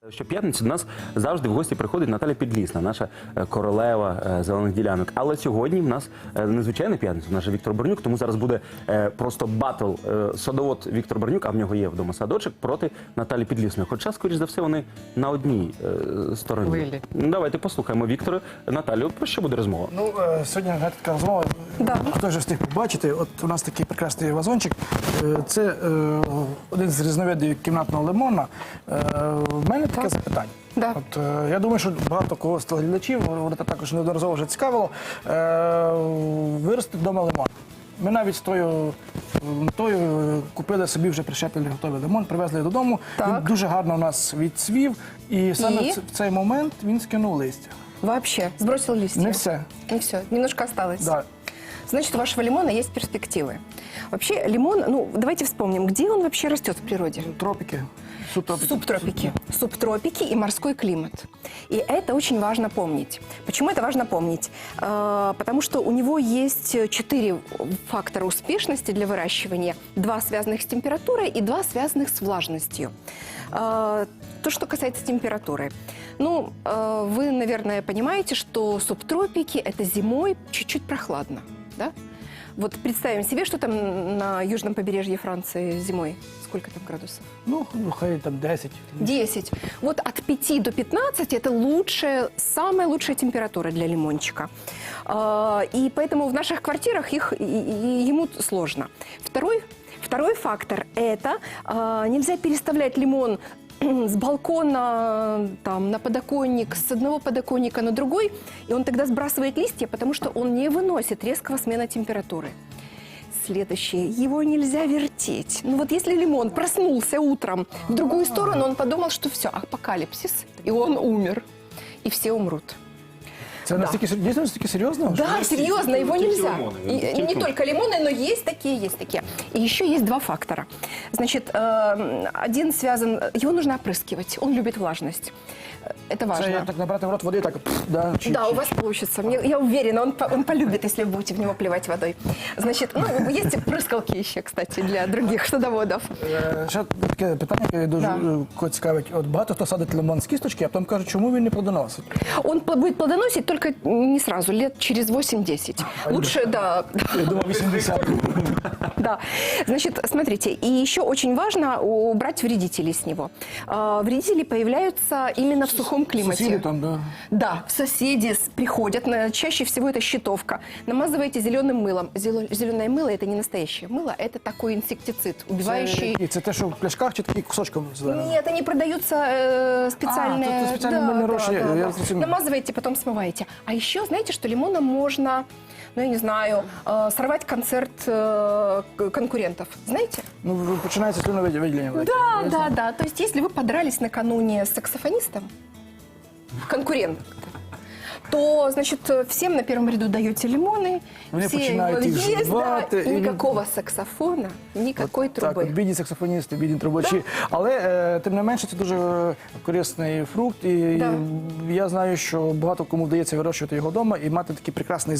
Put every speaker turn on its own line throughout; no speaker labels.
Щоп'ятниці до нас завжди в гості приходить Наталя Підлісна, наша королева зелених ділянок. Але сьогодні в нас незвичайна п'ятниця, в нас же Віктор Борнюк, тому зараз буде просто батл садовод Віктор Борнюк, а в нього є вдома садочок, проти Наталі Підлісної. Хоча, скоріш за все, вони на одній стороні. Ну, давайте послухаємо Віктора. Наталю, про що буде розмова?
Ну, сьогодні така розмова, хто вже встиг побачити, от у нас такий прекрасний вазончик. Це один з різновидів кімнатного лимона. В мене таке запитання. От, я думаю, що багато кого з телеглядачів, вони також неодноразово вже цікавило, вирости вдома лимон. Ми навіть з тою метою купили собі вже прищеплений готовий лимон, привезли додому. Він дуже гарно у нас відцвів, і саме в цей момент він скинув листя.
Вообще, сбросил листья?
Не все.
Не все, немножко осталось.
Да.
Значит, у вашего лимона есть перспективы. Вообще, лимон, ну, давайте вспомним, где он вообще растет в природе?
Тропики. Субтропики.
Субтропики. Субтропики и морской климат. И это очень важно помнить. Почему это важно помнить? Потому что у него есть 4 фактора успешности для выращивания. 2 связанных с температурой и 2 связанных с влажностью. То, что касается температуры. Ну, вы, наверное, понимаете, что субтропики – это зимой чуть-чуть прохладно, да? Вот представим себе, что там на южном побережье Франции зимой. Сколько там градусов?
Ну, хай там 10.
10. Вот от 5 до 15 – это лучшая, самая лучшая температура для лимончика. И поэтому в наших квартирах ему сложно. Второй фактор – это нельзя переставлять лимон с балкона там, на подоконник, с одного подоконника на другой, и он тогда сбрасывает листья, потому что он не выносит резкого смена температуры. Следующее. Его нельзя вертеть. Ну вот если лимон проснулся утром в другую сторону, он подумал, что все, апокалипсис, и он умер, и все умрут.
Это настолько серьезно?
Да, серьезно, его нельзя. И не только лимоны, но есть такие, есть такие. И еще есть 2 фактора. Значит, один связан, его нужно опрыскивать, он любит влажность. Это важно.
Я так набрать в рот воды, так, да.
Да, у вас получится. Я уверена, он полюбит, если вы будете в него плевать водой. Значит, ну, есть прыскалки еще, кстати, для других садоводов.
Ще таке питання, яке дуже цікавить. От багато хто садить лимон з кісточки, а потім кажуть, чому він не плодоносить?
Он будет плодоносить только не сразу, лет через 8-10. Лучше, да.
Я думав, 80.
Да. Значит, смотрите, и еще очень важно убрать вредителей с него. Вредители появляются именно в сухом климате.
Соседи там, да?
Да, соседи приходят, чаще всего это щитовка. Намазываете зеленым мылом. Зеленое мыло – это не настоящее мыло, это такой инсектицид, убивающий...
Це те, що в пляшках чи такі кусочком зеленими?
Нет, они продаются специальные...
тут специальные мыльные рощи.
Намазываете, потом смываете. А еще, знаете, что лимоном можно, ну, я не знаю, сорвать концерт конкурентов. Знаете?
Ну, починається слюновиділення.
Да. То есть, если вы подрались накануне с саксофонистом, конкурент, то, значит, всем на первом ряду даете лимоны,
Вони
все
починають їх
есть,
жувати.
и никакого саксофона, никакой
Так,
трубы.
от бідні саксофоністи, бідні трубачі. Але, тим не менше, це дуже корисний фрукт. І я знаю, що багато кому вдається вирощувати його вдома і мати такий прекрасний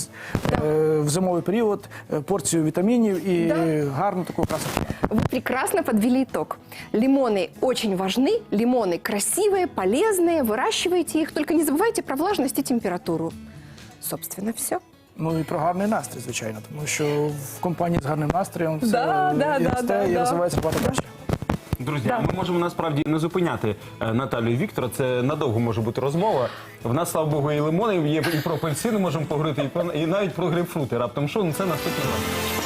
в зимовий період порцію вітамінів і гарну таку красоту.
Вы прекрасно подвели итог. Лимоны очень важны, лимоны красивые, полезные, выращивайте их, только не забывайте про влажность и температуру. Собственно, все.
Ну і про гарний настрій, звичайно, тому що в компанії з гарним настроєм все росте і розвивається багато краще.
Друзі, ми можемо насправді не зупиняти Наталю і Віктора, це надовго може бути розмова. В нас, слава Богу, і лимони є, і про апельсини можемо поговорити, і навіть про грейпфрути. Раптом що, ну це наступний раз.